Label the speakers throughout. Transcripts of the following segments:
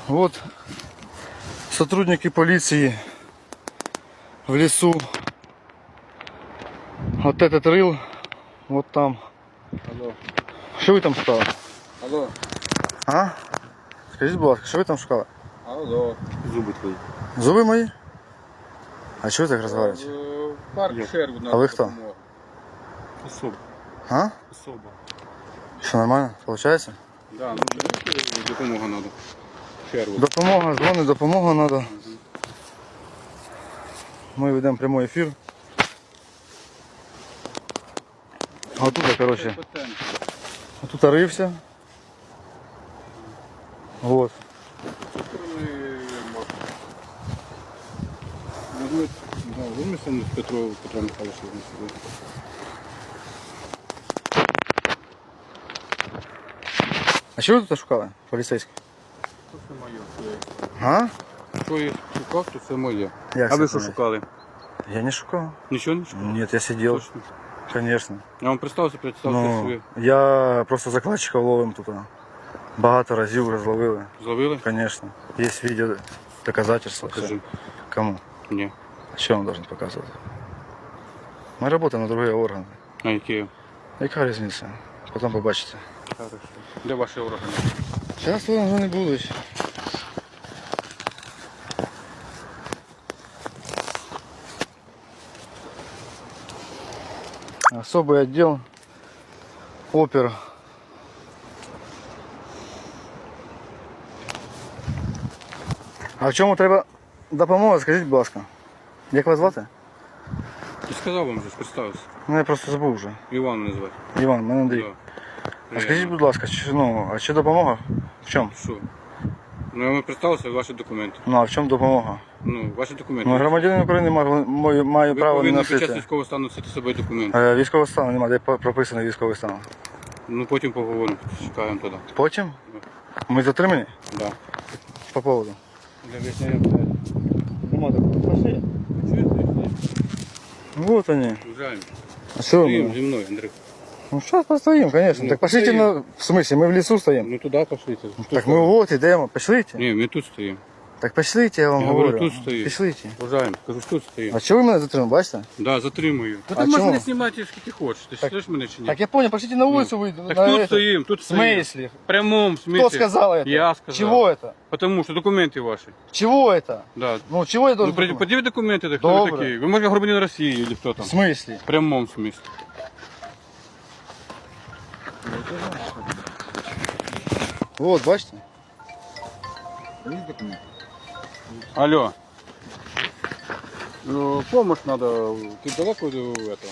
Speaker 1: Вот сотрудники полиции в лесу. Вот этот рыл, вот там.
Speaker 2: Алло.
Speaker 1: Що ви там шукали?
Speaker 2: Алло.
Speaker 1: А? Скажіть, будь ласка, що ви там шукали?
Speaker 2: Алло. Зуби твої.
Speaker 1: Зуби мої? А чого ви так розмовляєте?
Speaker 2: Парк Шервуд.
Speaker 1: А ви хто?
Speaker 2: Особа.
Speaker 1: А?
Speaker 2: Особа.
Speaker 1: Що, нормально? Получається?
Speaker 2: Да, ну допомога треба. Шервуд.
Speaker 1: Допомога, дзвони, допомога треба. Ми ведемо прямий ефір. А тут, коротше, тут рився. Вот.
Speaker 2: Вимислено з Петро Михайлович.
Speaker 1: А що ви тут шукали, поліцейські?
Speaker 2: Це моє.
Speaker 1: А?
Speaker 2: Що я шукав, то це моє.
Speaker 1: Як
Speaker 2: А
Speaker 1: це
Speaker 2: ви що
Speaker 1: понять?
Speaker 2: шукали?
Speaker 1: Я не шукав.
Speaker 2: Нічого не шукали?
Speaker 1: Нет, я сидел.
Speaker 2: Точно.
Speaker 1: Конечно.
Speaker 2: Я вам представився
Speaker 1: Ну,
Speaker 2: собі.
Speaker 1: я просто закладчиков ловим тут. Багато разів вже зловили.
Speaker 2: Зловили?
Speaker 1: Конечно. Есть видео, доказательства.
Speaker 2: Покажи.
Speaker 1: Все. Кому?
Speaker 2: Ні.
Speaker 1: А что он должен показывать? Мы работаем на другие органы.
Speaker 2: А які?
Speaker 1: Яка різниця? Потім побачите.
Speaker 2: Хорошо. Де ваші органи?
Speaker 1: Зараз вони вже не будуть. Особый отдел. Опер. А в чому треба допомога, скажіть, будь ласка. Як вас звати?
Speaker 2: Я сказав вам вже, представився.
Speaker 1: Ну я просто забув вже.
Speaker 2: Іван мене звати.
Speaker 1: Іван, мене Андрій. А скажіть, будь ласка, а чи допомога? В чому?
Speaker 2: Що? Ну я вам представився, ваші документи.
Speaker 1: Ну а в чому допомога?
Speaker 2: Ну, ваші документи.
Speaker 1: Ну громадянин України має
Speaker 2: Ви
Speaker 1: право не
Speaker 2: повинні під час
Speaker 1: носити.
Speaker 2: військового стану носити з собою документи.
Speaker 1: Військового стану немає, де прописаний військовий стан.
Speaker 2: Ну потім поговоримо, чекаємо тоді.
Speaker 1: Потім? Ми затримані?
Speaker 2: Да.
Speaker 1: По поводу?
Speaker 2: Для вияснення.
Speaker 1: Нема такого. Пошли. Вот они.
Speaker 2: Уезжаем.
Speaker 1: А что
Speaker 2: Стоим
Speaker 1: мы?
Speaker 2: за мной, Андрей.
Speaker 1: Ну сейчас постоим, конечно.
Speaker 2: Ну,
Speaker 1: так пошлите
Speaker 2: стоим.
Speaker 1: на... В смысле, мы в лесу стоим?
Speaker 2: Ну туда пошлите.
Speaker 1: Так мы вот идем, пошлите.
Speaker 2: Не, мы тут стоим.
Speaker 1: Так пошлите, я вам
Speaker 2: Я
Speaker 1: говорю.
Speaker 2: говорю, тут стоїть.
Speaker 1: Пошлите.
Speaker 2: Уважаємо, кажу, тут стоїм.
Speaker 1: А чого ви мене затримали, бачите?
Speaker 2: Да, затримую.
Speaker 1: А
Speaker 2: Та ти можеш
Speaker 1: чому?
Speaker 2: мене знімати, скільки хочеш. Ти
Speaker 1: Так-
Speaker 2: чуєш мене чи ні?
Speaker 1: Так я понял, пошлите на улицу выйду.
Speaker 2: Так
Speaker 1: на
Speaker 2: тут
Speaker 1: это.
Speaker 2: стоим, тут
Speaker 1: В
Speaker 2: стоим.
Speaker 1: смысле?
Speaker 2: В прямом смысле.
Speaker 1: Кто сказал это?
Speaker 2: Я сказал.
Speaker 1: Чего это?
Speaker 2: Потому что документы ваши.
Speaker 1: Чего это?
Speaker 2: Да.
Speaker 1: Ну чего я
Speaker 2: Ну,
Speaker 1: должен...
Speaker 2: предъяви документы, так кто вы
Speaker 1: Добре.
Speaker 2: такие? Вы, может, гражданин России или кто там?
Speaker 1: В смысле?
Speaker 2: В прямом смысле.
Speaker 1: Вот, бачите?
Speaker 2: Алло. Ну, помощь надо. Ты далеко до этого?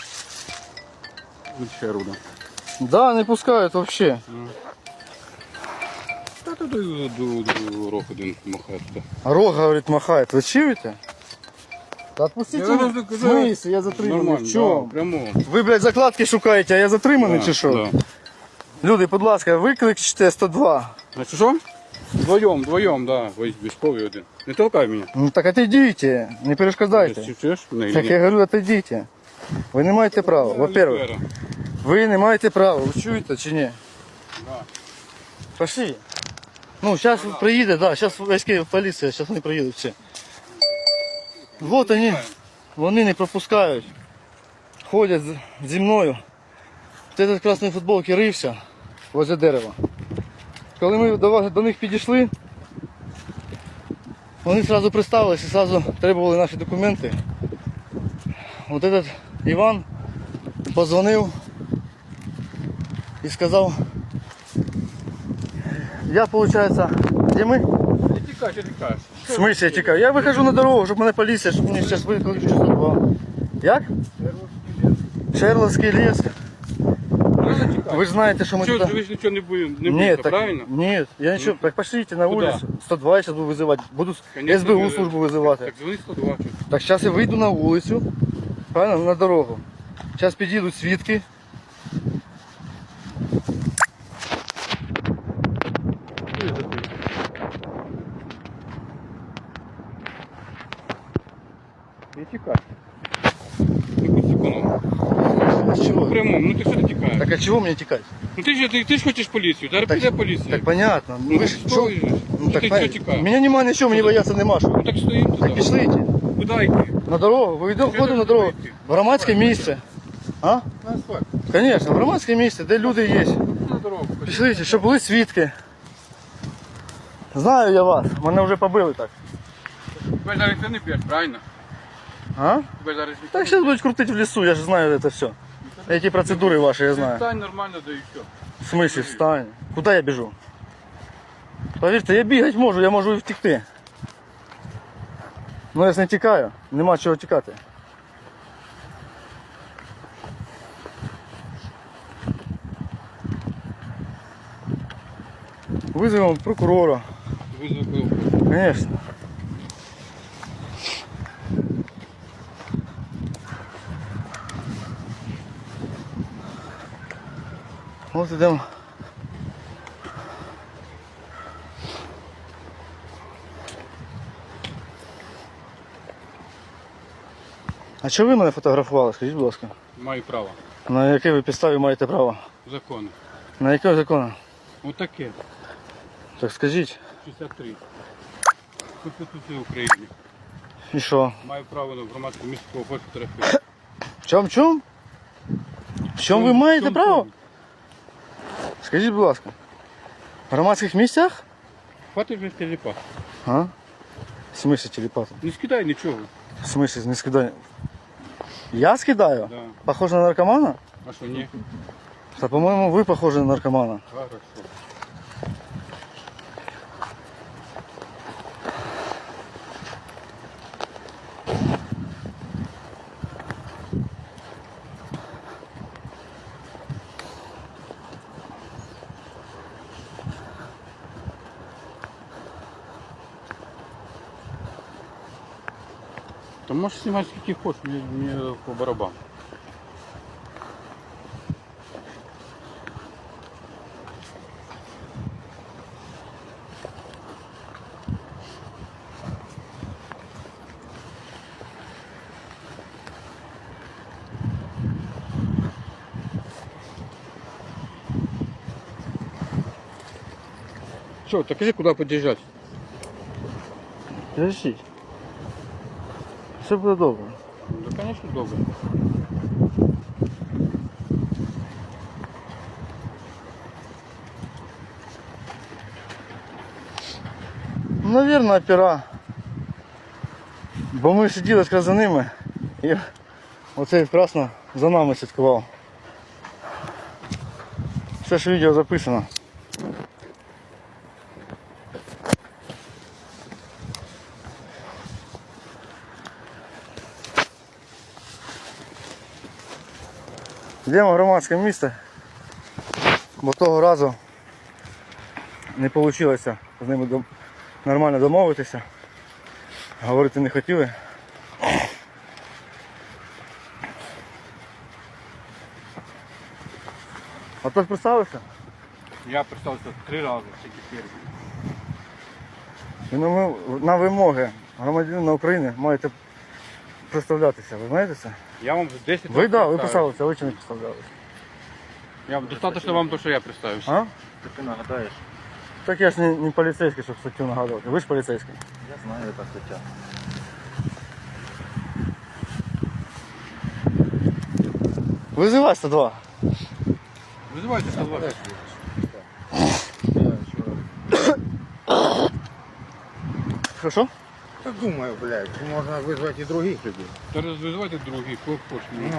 Speaker 2: Від Шервуда.
Speaker 1: Да, не пускают вообще.
Speaker 2: Та тут до рок один махає.
Speaker 1: Рог, говорит, махает. Вы чуете? Да отпустите.
Speaker 2: Я
Speaker 1: меня.
Speaker 2: вам
Speaker 1: В смысле? Я затриманий.
Speaker 2: Нормально,
Speaker 1: В чому?
Speaker 2: да, прямо.
Speaker 1: Ви, блядь, закладки шукаєте, а я затриманий чи що?
Speaker 2: Да.
Speaker 1: Люди, будь ласка, викличте 102.
Speaker 2: Значить, що? Вдвоєм, да. Військовий один. Не толкай мене.
Speaker 1: Ну так отойдите, не перешкодайте.
Speaker 2: Чуєш мене?
Speaker 1: Так я говорю, отойдите. Ви не маєте права. Во-первых, ви не маєте права. Ви чуєте чи ні?
Speaker 2: Да.
Speaker 1: Пошли. Ну, зараз приїде, да, зараз військові поліція, зараз вони приїдуть всі. Вот вони не пропускають. Ходять зі мною. Этот красний футболки рився возле дерева. Коли ми до них підійшли, вони одразу представилися, одразу требували наші документи. Вот этот Іван позвонив і сказав, я, виходить, де ми?
Speaker 2: Не тікай, що тікаєш?
Speaker 1: В смысле я тікаю? Я виходжу на дорогу, щоб мене поліція, щоб мені зараз викликали 102. Як? Шерловський ліс. Ви ж знаєте, що ми
Speaker 2: Що,
Speaker 1: туди...
Speaker 2: ви ж нічого не будете,
Speaker 1: Нет, так,
Speaker 2: правильно?
Speaker 1: нет, я ничего. Так пошлите на
Speaker 2: Куда?
Speaker 1: улицу. 102 я сейчас буду вызывать. Буду
Speaker 2: Конечно,
Speaker 1: СБУ
Speaker 2: ви-
Speaker 1: службу вызывать.
Speaker 2: Так дзвони 102.
Speaker 1: Так сейчас я выйду на улицу, правильно, на дорогу. Сейчас підійдуть свідки.
Speaker 2: Не тікай. Ти будь економ.
Speaker 1: А с чего?
Speaker 2: Прямо, ну ти що ти тікаєш?
Speaker 1: Так а чего мне текать?
Speaker 2: Ну ти ж хочеш поліцію, зараз піде поліція.
Speaker 1: Так понятно.
Speaker 2: Ну,
Speaker 1: Ви ж
Speaker 2: що
Speaker 1: що?
Speaker 2: ви ж?
Speaker 1: Ну, так,
Speaker 2: Ти
Speaker 1: пон-
Speaker 2: що тікаєш?
Speaker 1: Мене немає нічого, мені бояться нема що.
Speaker 2: Ну так стоїмо туди.
Speaker 1: Так пішли йти.
Speaker 2: Куди йти?
Speaker 1: На дорогу, виходимо на дорогу. В громадське місце. А?
Speaker 2: На асфальт.
Speaker 1: Звісно, в громадське місце, де люди є.
Speaker 2: На дорогу.
Speaker 1: Пішли, щоб були свідки. Знаю я вас, мене вже побили так.
Speaker 2: Тебе зараз ніхто не п'єш, правильно?
Speaker 1: А?
Speaker 2: Тебе зараз ніхто
Speaker 1: Так
Speaker 2: не
Speaker 1: зараз будуть крутити в лісу, я ж знаю це все. Эти процедури ваші, я знаю.
Speaker 2: Встань нормально, да і все.
Speaker 1: В смысле встань? Куда я біжу? Повірте, я бігати можу, я можу і втекти. Ну я ж не тікаю, нема чого тікати. Визовемо прокурора,
Speaker 2: Визвав.
Speaker 1: звісно. Ось ідемо. А чого ви мене фотографували, скажіть, будь ласка?
Speaker 2: Маю право.
Speaker 1: На якій ви підставі маєте право?
Speaker 2: Закони.
Speaker 1: На який закон?
Speaker 2: Отаке.
Speaker 1: Так скажіть.
Speaker 2: 63. Конституція України.
Speaker 1: І що?
Speaker 2: Маю право на громадську місце фотографії.
Speaker 1: В чому? В чому ви маєте право? Скажіть, будь ласка. В громадських місцях?
Speaker 2: Хватить вже телепат.
Speaker 1: А? В смысле телепата?
Speaker 2: Не скидай нічого.
Speaker 1: В смысле не скидаю? Я скидаю?
Speaker 2: Да.
Speaker 1: Похож на наркомана?
Speaker 2: А що ні?
Speaker 1: Да, по-моему, вы похожи на наркомана.
Speaker 2: Хорошо. Та можеш знімати скільки хочеш, мені по барабану. Що, так іди куди під'їжджати?
Speaker 1: Подождіть. Все буде добре.
Speaker 2: Ну, звісно, добре.
Speaker 1: Наверное, опера. Бо ми сиділи якраз за ними і оцей красно за нами слідкував. Все ж відео записано. Йдемо в громадське місце, бо того разу не вийшло з ними нормально домовитися. Говорити не хотіли. А хтось представився?
Speaker 2: Я представився 3 рази, тільки перший.
Speaker 1: І на вимоги громадянина України маєте представлятися, ви знаєте це?
Speaker 2: Я вам 10
Speaker 1: Ви,
Speaker 2: разів
Speaker 1: да, ви
Speaker 2: представився.
Speaker 1: представилися, а ви чи не представлялися?
Speaker 2: Я достатньо вам то, що я представився.
Speaker 1: А?
Speaker 3: Ти нагадаєш?
Speaker 1: Так я ж не поліцейський, щоб статтю нагадувати. Ви ж поліцейський.
Speaker 3: Я знаю, яка стаття.
Speaker 1: Визивай 102.
Speaker 2: Визивайте 102.
Speaker 1: Що?
Speaker 3: Так думаю, блядь, можна визвати і других людей.
Speaker 2: Та визивайте другий, кого хочеш.
Speaker 3: Ну.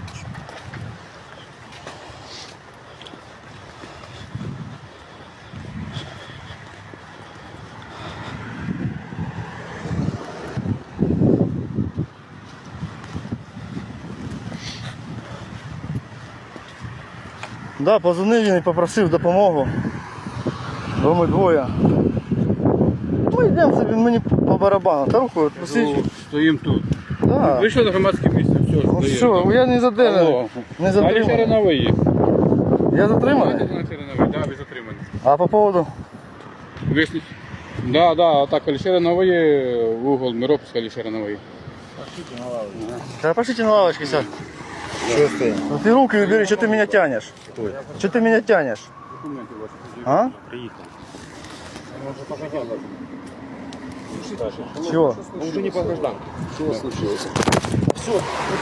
Speaker 1: Да, позвонив він і попросив допомогу. Бо ми двоє. Ми йдемо собі, мені по барабану. Та руху посвідчу.
Speaker 2: Стоїмо тут.
Speaker 1: Да.
Speaker 2: Вийшли на громадське місце, все,
Speaker 1: Ну
Speaker 2: здаємо.
Speaker 1: все, я не задержаний.
Speaker 2: Алло.
Speaker 1: Не
Speaker 2: Далі
Speaker 1: затриманий.
Speaker 2: Черновий є.
Speaker 1: Я затриманий?
Speaker 2: Так, ви затримані.
Speaker 1: А по поводу?
Speaker 2: Виясніть. Да, да, так, Алішера Нової, угол Миропська, Алішера Нової.
Speaker 1: Да пошлите на лавочке сядь.
Speaker 3: Что стоит?
Speaker 1: Ну ты руки убери, что ты меня тянешь? Что ты меня тянешь?
Speaker 2: Документи ваші.
Speaker 1: А? Чего?
Speaker 3: Он уже не по гражданке. Что случилось?
Speaker 1: Все,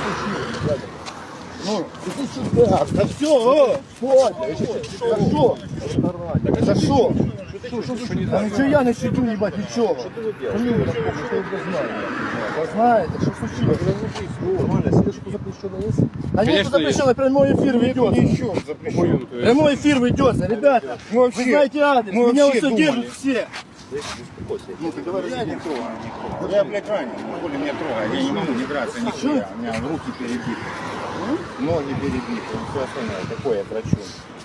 Speaker 1: ну, иди сюда. Да все, хорошо. Хорошо. Да ничего я не щадю, ебать, ничего. Фамилию напомню, что вы знаете. Вы знаете, что случилось?
Speaker 3: Нормально, слежку запрещено есть?
Speaker 1: А нет,
Speaker 2: Конечно,
Speaker 1: запрещено, прямой эфир ведется.
Speaker 3: Еще запрещено.
Speaker 1: Прямой эфир ведется, ребята. Вы знаете адрес,
Speaker 3: мы
Speaker 1: меня
Speaker 3: вообще
Speaker 1: вот
Speaker 3: думали.
Speaker 1: держат все.
Speaker 3: Ну ты говоришь, не трогай, не трогай. Я, блядь, ранен, не более меня трогай. Я не могу не драться, нихуя. У меня руки перебиты, ноги перебиты, все остальное. Такое я драчу.